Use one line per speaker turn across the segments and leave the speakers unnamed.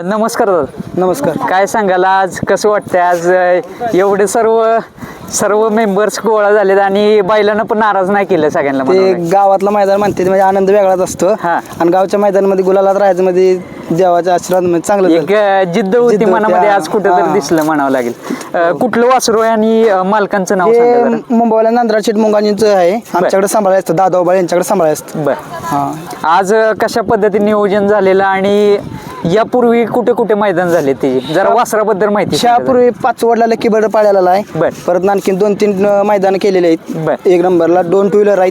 नमस्कार दादा.
नमस्कार.
काय सांगाल आज कसं वाटतंय आज एवढे सर्व मेंबर्स गोळा झालेत आणि बैलांना पण नाराज नाही केलं सगळ्यांना
ते
म्हणावं
गावातलं मैदान म्हणते म्हणजे आनंद वेगळाच असतो.
हा.
आणि गावच्या मैदानामध्ये गुलालात राहायचं म्हणजे देवाच्या आशीर्वाद म्हणजे चांगलं
एक जिद्द होती
जिद्द होती,
मनामध्ये आज
हा.
कुठेतरी
हा.
दिसलं म्हणावं लागेल. कुठलं वासरू आहे आणि मालकांचं नाव सांगा
हे
जरा.
मुंबईला नांदरा शेठ मुंगाजींचं आहे. आमच्याकडे सांभाळायचं असतं, दादा उबाळे यांच्याकडे सांभाळायचं असतं.
बर.
हा.
आज कशा पद्धतीने नियोजन झालेलं आणि यापूर्वी कुठे कुठे मैदान झाले ते जरा वासराबद्दल माहिती सांगा जरा.
त्यापूर्वी पाचवडला लकी बर्ड पाळलेला आहे.
बर.
परत आणखी 2-3 मैदान केलेले
बर.
आहेत. 1 नंबरला 2 टू व्हीलर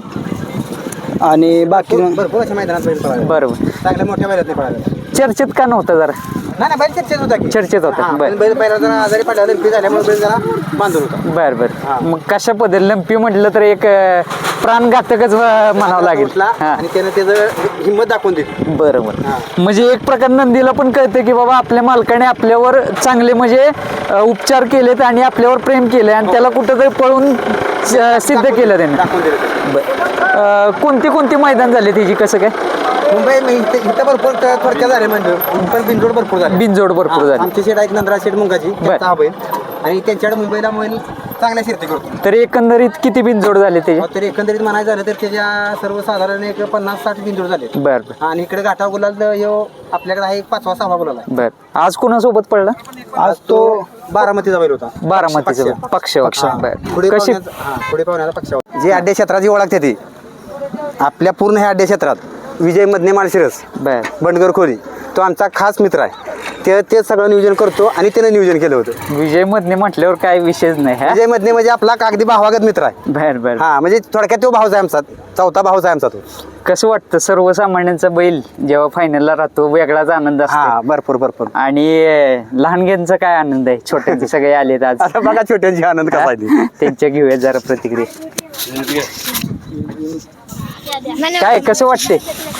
आहेत आणि बाकी
भरपूर अशा मैदानात बैल पळाले.
बरोबर.
चांगल्या मोठ्या बैलात नाही पळाले.
चर्चेत का नव्हतं जरा
नाही बैल चर्चेत होता की
चर्चेत होता.
हा,
बर.
पण बैल पहिला जरा आजारी पडला लंपी झाल्यामुळे बैल जरा बांधून होता.
बर बर.
हा.
मग कशा पद्धती लंपी म्हटलं तर एक प्राणघातकच म्हणावं लागेल.
उठला
हा.
आणि त्यानं त्याचं हिंमत दाखवून दिली.
बरोबर.
हा.
म्हणजे एक प्रकार नंदीला पण कळतं की बाबा आपल्या मालकाने आपल्यावर चांगले म्हणजे उपचार केलेत आणि आपल्यावर प्रेम केले आणि त्याला कुठंतरी पळून सिद्ध केलं त्याने.
दाखवून दिलं त्यानं.
कोणती कोणती मैदान झाले त्याची कसं काय
मुंबई इथं भरपूर थोडक्या झाले म्हणजे पण बिनजोड भरपूर झाले.
बिनजोड भरपूर झाले.
आमचे शेड आहेत नंदरा शेड मुंगाची त्यांचा हा बैल आणि त्यांच्याकडे मुंबईला बैल चांगल्या शिरती करतो.
तर एकंदरीत किती बिनजोड झाले त्याचे.
तर एकंदरीत म्हणायचं झालं तर त्याच्या सर्वसाधारण एक 50-60 बिनजोड झाले.
बर बर
आणि इकडे गाठा गुलाल ह्यो आपल्याकडे आहे 5वा-6वा गुलाल आहे.
बर. आज कोणासोबत पडला.
आज तो बारामतीचा बैल होता.
बारामतीचा पक्ष.
पुढे
कशी
पुढे पाहुण्याचा पक्ष होता. जी अड्डे क्षेत्राची ओळखते ती आपल्या पूर्ण ह्या अड्डे क्षेत्रात विजय मधने माळशिरस
बर
बंडगर खोली तो आमचा खास मित्र आहे. ते सगळं नियोजन करतो आणि त्याने नियोजन केलं होतं.
विजय मधने म्हटल्यावर काय विषयच नाही. हा?
विजय मधने म्हणजे आपला कागदी भावागत मित्र आहे.
बर बर.
हा म्हणजे थोडक्यात तो भाऊच आहे आमचा, चौथा भाऊच आहे आमचा तो.
कसं वाटतं सर्वसामान्यांचा बैल जेव्हा फायनलला राहतो वेगळाच आनंद असतो.
हा भरपूर
आणि लहानग्यांचा काय आनंद आहे. छोट्यांचे सगळे आलेत आज.
आता बघा छोट्यांची आनंद कसा आहे ती.
त्यांच्या घेऊया जरा प्रतिक्रिया. काय कसं वाटते.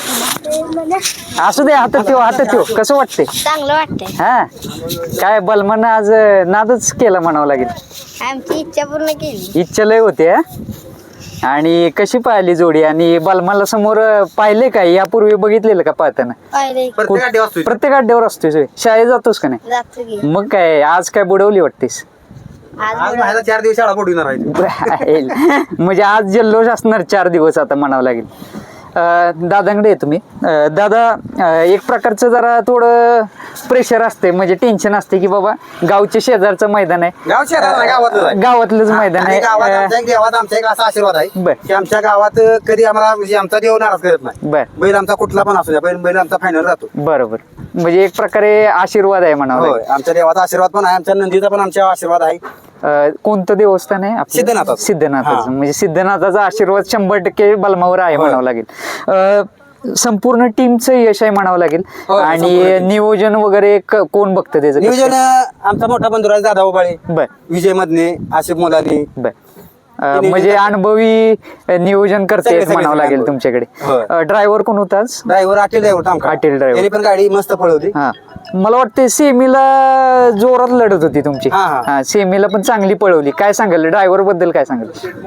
असू दे हातात ठेव कसं वाटते.
चांगलं वाटतंय.
हा काय बलमानं आज नादच केला म्हणावं लागेल.
आमची इच्छा पूर्ण केली.
इच्छा लय होते. हा? आणि कशी पाहिली जोडी आणि बलमाला समोर पाहिले काय यापूर्वी बघितलेलं का पाहताना.
पाहिले
प्रत्येक अड्डे वाजतोय.
प्रत्येक अड्ड्यावर असतोय शाळेत जातोस का नाही.
जातो की
मग काय आज काय बुडवली वाटतेस.
आज माझ्या 4 दिवस शाळा पडून राहायची.
म्हणजे आज जल्लोष असणार 4 दिवस आता म्हणावं लागेल. दादांकडे आहे तुम्ही. दादा एक प्रकारचं जरा थोडं प्रेशर असते म्हणजे टेन्शन असते की बाबा गावच्या शेजारचं मैदान आहे.
गाव शहरात नाही, गावातलंच आहे.
गावातलंच मैदान
आणि गावात आमच्या
आहे.
एक देवात आमचा एक असा आशीर्वाद आहे
बर.
की आमच्या गावात कधी आम्हाला म्हणजे आमचा देव नाराज करत नाही.
बर.
बैल आमचा कुठला पण असू द्या बैल आमचा फायनल राहतो.
बरोबर. म्हणजे एक प्रकारे आशीर्वाद आहे म्हणावं
होय आमच्या देवाचा आशीर्वाद पण आहे, आमच्या नंदीचा पण आमच्या आशीर्वाद आहे.
कोणतं देवस्थान आहे आपलं?
सिद्धनाथाचं.
सिद्धनाथाचं.
हा.
म्हणजे सिद्धनाथाचा आशीर्वाद 100% बलमावर आहे
होय.
म्हणावं लागेल. संपूर्ण टीमचं यश आहे म्हणावं लागेल.
होय,
आणि
संपूर्ण
नियोजन वगैरे कोण बघतं त्याचं.
नियोजन आमचा मोठा बंधुराज दादा उबाळे,
बर
विजय मधने, आशिफ मोलानी.
बर. म्हणजे अनुभवी नियोजन करते
सगळे
म्हणावं लागेल
अनुभवी.
तुमच्याकडे.
होय.
ड्रायव्हर कोण होता आज.
ड्रायव्हर अटील ड्रायव्हर
अटील driver.
त्यांनी पण गाडी मस्त पळवली.
हा मला वाटते सेमीला जोरात लढत होती तुमची.
हा, हा.
हा सेमीला पण चांगली पळवली. काय सांगाल ड्रायव्हर बद्दल काय सांगाल.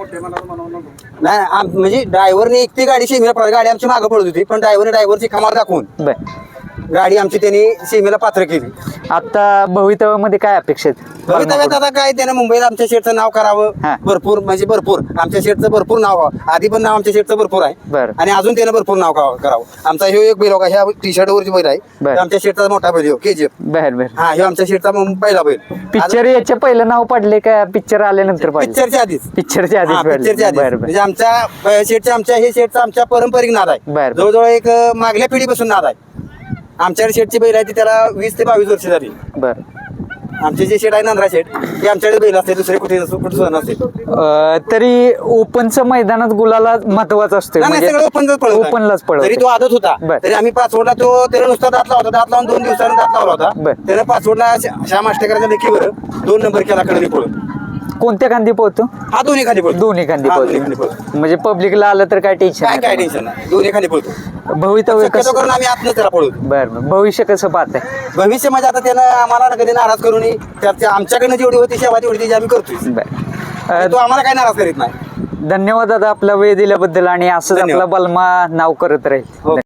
नाही म्हणजे ड्रायव्हरने एकटी गाडी सेमीला पळवली. गाडी आमची मागं पळत होती पण ड्रायव्हरची कमाल दाखवून
बर.
गाडी आमची त्यांनी सेमीला पात्र केली.
आता भवितव्यामध्ये काय अपेक्षा आहेत.
भवितव्यात आता काय त्यानं मुंबईला आमच्या शेटचं नाव करावं.
हा.
भरपूर आमच्या शेटचं भरपूर नाव व्हावं. आधी पण नाव आमच्या शेटचं भरपूर आहे.
बरं.
आणि अजून त्यानं भरपूर नाव करावं. आमचा ह्यो एक बैल होता ह्या टी शर्ट वरची बैल आहे.
बरं.
तो आमच्या शेटचा मोठा बैल KGF.
बर बर.
हा ह्यो आमच्या शेटचा पहिला बैल.
पिक्चर याच्या पहिलं नाव पडले का पिक्चर आल्यानंतर पडले.
पिक्चरच्या आधीच
पिक्चरच्या
हा,
आधीच
पिक्चरच्या आधीच.
बरं
म्हणजे आमच्या शेटचा आमच्या पारंपरिक नाद आहे.
बरं.
जवळजवळ एक मागल्या पिढीपासून नाद आहे. आमच्याकडे शेटची बैल आहे ती त्याला 20 ते 22 वर्ष झाली.
बर.
आमचे जे शेट आहे नांद्रा शेट ते आमच्याकडे बैल असते, दुसरे कुठे नसते.
तरी ओपनचं मैदानात गुलाला महत्वाचं असतं.
नाही,
म्हणजे
सगळं
ओपनलाच
तरी
पळवतो.
तो आदत होता.
बर.
तरी आम्ही पाचवडला त्याला नुसता दात लावला होता. दात लावून 2 दिवसांनी दात लावला होता.
बर.
त्यानं पाचवडला श्याम आष्टेकरांच्या लेखीवर 2 नंबर केला कडे पळून.
कोणत्या खांदी पोहतो.
हा दोन्ही खाली पळतो.
दोन्ही खांदी
हा, दोन्ही
पोहतो.
खाली पळतो.
म्हणजे पब्लिकला आलं तर काय टेन्शन
काय टेन्शन नाही, दोन्ही खाली पळतो.
भवितव्य
शक्यतो
कसं.
करून आम्ही आतनं त्याला पळवतो.
बर बर. भविष्य कसं पाहताय.
भविष्य म्हणजे आता त्यानं आम्हाला कधी नाराज करू नये. आमच्याकडनं जेवढी होती सेवा तेवढी त्याची आम्ही करतोय.
बर.
तो आम्हाला काय नाराज करीत नाही.
धन्यवाद दादा आपला वेळ दिल्याबद्दल आणि असंच
धन्यवाद.
आपला बलमा नाव करत राहील.
हो.